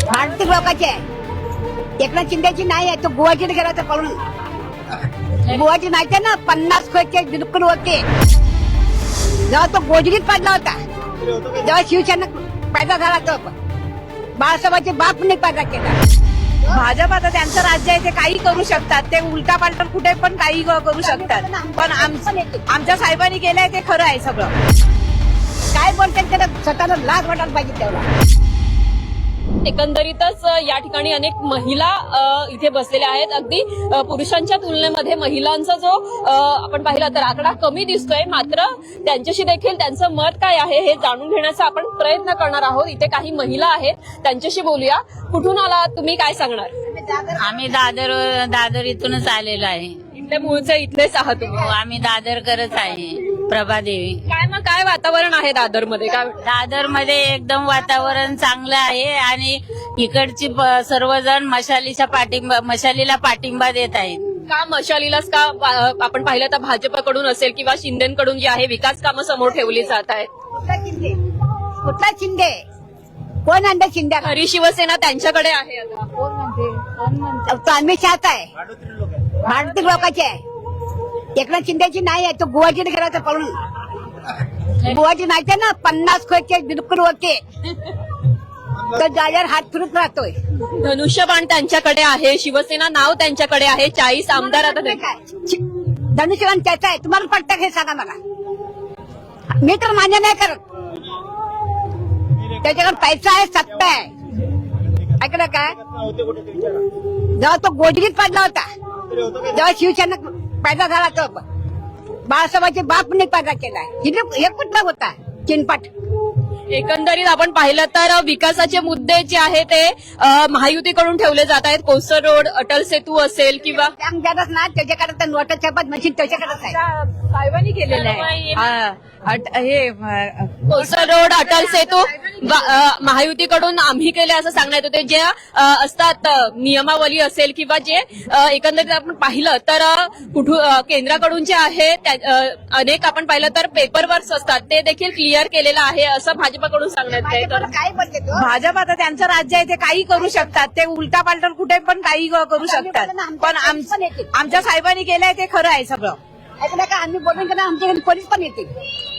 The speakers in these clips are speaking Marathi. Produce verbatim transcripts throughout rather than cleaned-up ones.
भारतीय लोकांची आहे. एकनाथ शिंदेची नाही आहे. तो गुवाहाटीला गेला होता पळून. गुवाहाटी नाही आहे ना, पन्नास खोचे बिलकुल होते. जेव्हा तो गोजरीत पडला होता जेव्हा शिवसेना पैदा झाला तो बाळासाहेबांचे बाप नाही पैदा केला. भाजप आता त्यांचं राज्य आहे, ते काही करू शकतात. ते उलटा पालटा कुठे पण काही करू शकतात. पण आम- आमच्या साहेबांनी केलंय ते खरं आहे सगळं. काय बोलतात त्याला स्वतःला लाज वाटायला पाहिजे तेवढा. एकंदरीतच या ठिकाणी अनेक महिला अ, इथे बसलेल्या आहेत. अगदी अ, पुरुषांच्या तुलनेमध्ये महिलांचा जो अ, आपण पाहिला तर आकडा कमी दिसतोय. मात्र त्यांच्याशी देखील त्यांचं मत काय आहे हे जाणून घेण्याचा आपण प्रयत्न करणार आहोत. इथे काही महिला आहेत, त्यांच्याशी बोलूया. कुठून आला, तुम्ही काय सांगणार? आम्ही दादर दादर इथूनच आलेलो आहे. इथले मूळचे इथलेच आहात तुम्ही? हो, आम्ही दादरकरच आहे. प्रभादेवी. काय मग काय वातावरण आहे दादर मध्ये? काय दादर मध्ये एकदम वातावरण चांगलं आहे आणि इकडची प- सर्वजण मशालीच्या पाठिंबा मशालीला पाठिंबा देत आहेत. का मशालीलाच का अ, आपण पाहिलं तर भाजपकडून असेल किंवा शिंदेकडून जी आहे विकास कामं समोर ठेवली जात आहेत? कुठला शिंदे कुठला शिंदे कोण आणलं शिंदे? खरी शिवसेना त्यांच्याकडे आहे आता. कोण म्हणते कोण म्हणते तो आम्ही शात आहे. भारतीय लोकांची आहे. एकनाथ शिंदेची नाही आहे. तो गुवाहाटीला गेला होता पळून. गुवाहाटी नाही आहे ना, पन्नास खोचे बिलकुल होते. तर जागेवर हात फिरत राहतोय. धनुष्यबाण त्यांच्याकडे आहे, शिवसेना नाव त्यांच्याकडे आहे, चाळीस आमदार आता ते- काय धनुष्यबाण त्याचा आहे. तुम्हाला पटतं हे सांगा मला. मी तर मान्य नाही करत. त्याच्याकडे पैसा आहे, सत्ता आहे. ऐकलं काय? जेव्हा तो गोजरीत पडला होता जेव्हा शिवसेना पैदा झाला तो बाळासाहेबांचे बाप नाही पैदा केला. हे कुठला होता चिनपट? एकंदरीत आपण पाहिलं तर विकासाचे मुद्दे जे आहे ते अ, महायुतीकडून ठेवले जात आहेत. कोस्टर रोड, अटल सेतू असेल किंवा त्याच ना त्याच्याकडे तर नोटा छापत मशीन त्याच्याकडेच आहे. साहेबांनी केलेलं आहे. हा, अट- हे अ, कोस्टर रोड, अटल सेतू वा- अ, महायुतीकडून आम्ही केले असं सांगण्यात होते. जे अ, असतात अ, नियमावली असेल किंवा जे अ, एकंदरीत आपण पाहिलं तर अ, कुठून अ, केंद्राकडून जे आहे त्या- अ, अनेक आपण पाहिलं तर पेपर वर्क्स असतात ते देखील क्लिअर केलेलं आहे असं भाजपकडून सांगण्यात येत आहे. काय बोलते तो? भाजप आता त्यांचं राज्य आहे, ते काही करू शकतात. ते उलटा पालटा कुठे पण काही करू शकतात. पण आम- आमच्या साहेबांनी केलंय ते खरं आहे सगळं. ऐकलं का? आम्ही बोलून का आमच्या घरी पोलीस पण येते.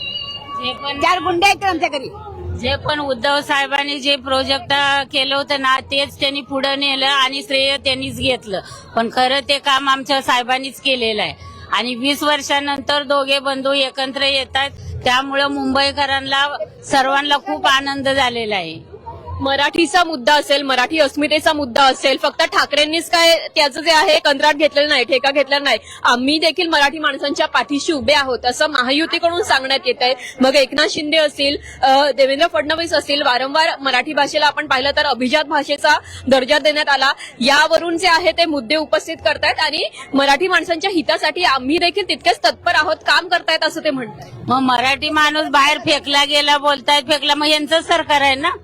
जे पण चार गुंडे आहेत आमच्या घरी. जे पण उद्धव साहेबांनी जे प्रोजेक्ट केलं होतं ना तेच त्यांनी पुढे नेलं आणि श्रेय त्यांनीच घेतलं. पण खरं ते काम आमच्या साहेबांनीच केलेलं आहे. आणि वीस वर्षानंतर दोघे बंधू एकत्र येतात, त्यामुळं मुंबईकरांना सर्वांना खूप आनंद झालेला आहे. मराठीचा मुद्दा असेल, मराठी अस्मितेचा मुद्दा असेल, फक्त ठाकरेंनीच काय त्याचं जे आहे कंत्राट घेतलेलं नाही, ठेका घेतलेला नाही. आम्ही देखील मराठी माणसांच्या पाठीशी उभे आहोत असं महायुतीकडून सांगण्यात येत आहे. मग एकनाथ शिंदे असतील, अ, देवेंद्र फडणवीस असतील, वारंवार मराठी भाषेला आपण पाहिलं तर अभिजात भाषेचा दर्जा देण्यात आला. यावरून जे आहे ते मुद्दे उपस्थित करतायत आणि मराठी माणसांच्या हितासाठी आम्ही देखील तितकेच तत्पर आहोत, काम करतायत असं ते म्हणतात. मग मराठी माणूस बाहेर फेकला गेला, बोलतायत फेकला, मग यांचं सरकार आहे ना.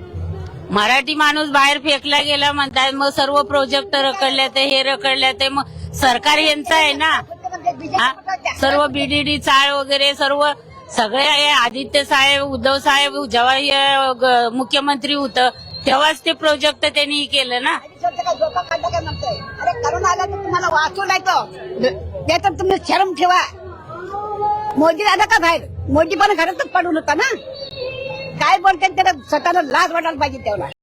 मराठी माणूस बाहेर फेकला गेला म्हणतात, मग सर्व प्रोजेक्ट रखडले ते हे रखडले ते मग सरकार यांचं आहे ना. हा? सर्व बीडीडी चाळ वगैरे सर्व सगळे हे आदित्य साहेब, उद्धव साहेब जेव्हा हे ग- मुख्यमंत्री होतं तेव्हाच ते प्रोजेक्ट त्यांनी केलं ना. झोपा काढला काय म्हणतोय? अरे करून आला तर तुम्हाला वाचवलाय तो. त्याच्यात तुम्ही शरम ठेवा. मोदी आला का बाहेर? मोदी पण घरातच पडून होता ना. काय बोलतात त्याला स्वतःला लाज वाटायला पाहिजे तेवढा.